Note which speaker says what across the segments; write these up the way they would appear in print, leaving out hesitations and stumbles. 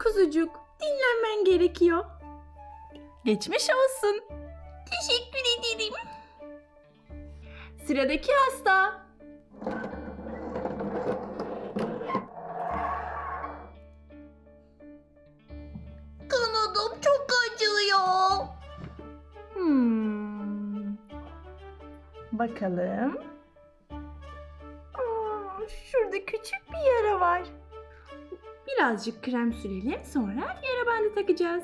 Speaker 1: kuzucuk, dinlenmen gerekiyor. Geçmiş olsun.
Speaker 2: Teşekkür ederim.
Speaker 1: Sıradaki hasta.
Speaker 2: Kanadım çok acıyor.
Speaker 1: Bakalım. Şurada küçük bir yara var. Birazcık krem sürelim, sonra yara bandı takacağız.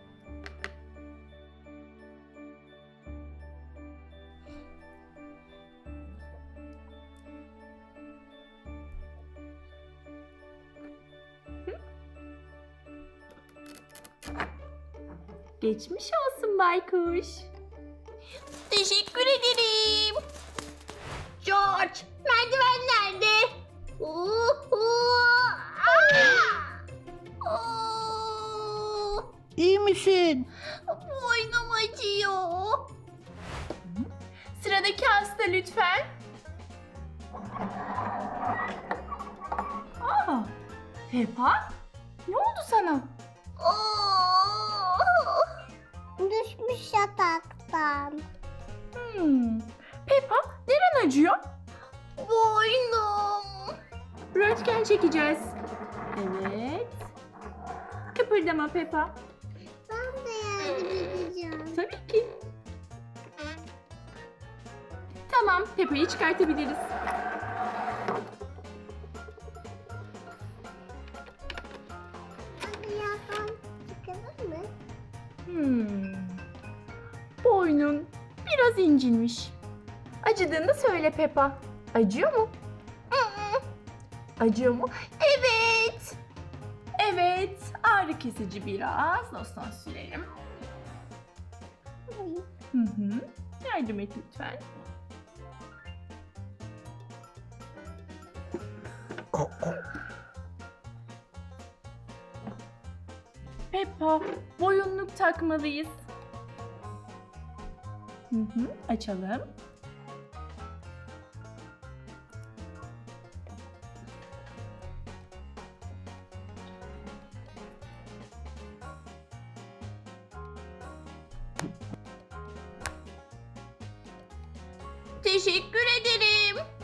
Speaker 1: Geçmiş olsun baykuş.
Speaker 2: Teşekkür ederim. George, merdiven nerede?
Speaker 3: İyi misin?
Speaker 2: Boynum acıyor.
Speaker 1: Sıradaki hasta lütfen. Peppa, ne oldu sana?
Speaker 2: Düşmüş yataktan.
Speaker 1: Peppa, neren acıyor?
Speaker 2: Boynum.
Speaker 1: Röntgen çekeceğiz. Evet. Kıpırdama Peppa.
Speaker 2: Ben de yardım edeceğim.
Speaker 1: Tabii ki. Tamam, Peppa'yı çıkartabiliriz.
Speaker 2: Hadi yakan çıkalım mı?
Speaker 1: Boynun biraz incinmiş. Acıdığını söyle Peppa. Acıyor mu? Acıyor mu?
Speaker 2: Evet.
Speaker 1: Evet. Ağrı kesici biraz. Losyon sürelim. Yardım et lütfen. Peppa, boyunluk takmalıyız. Açalım.
Speaker 2: Teşekkür ederim.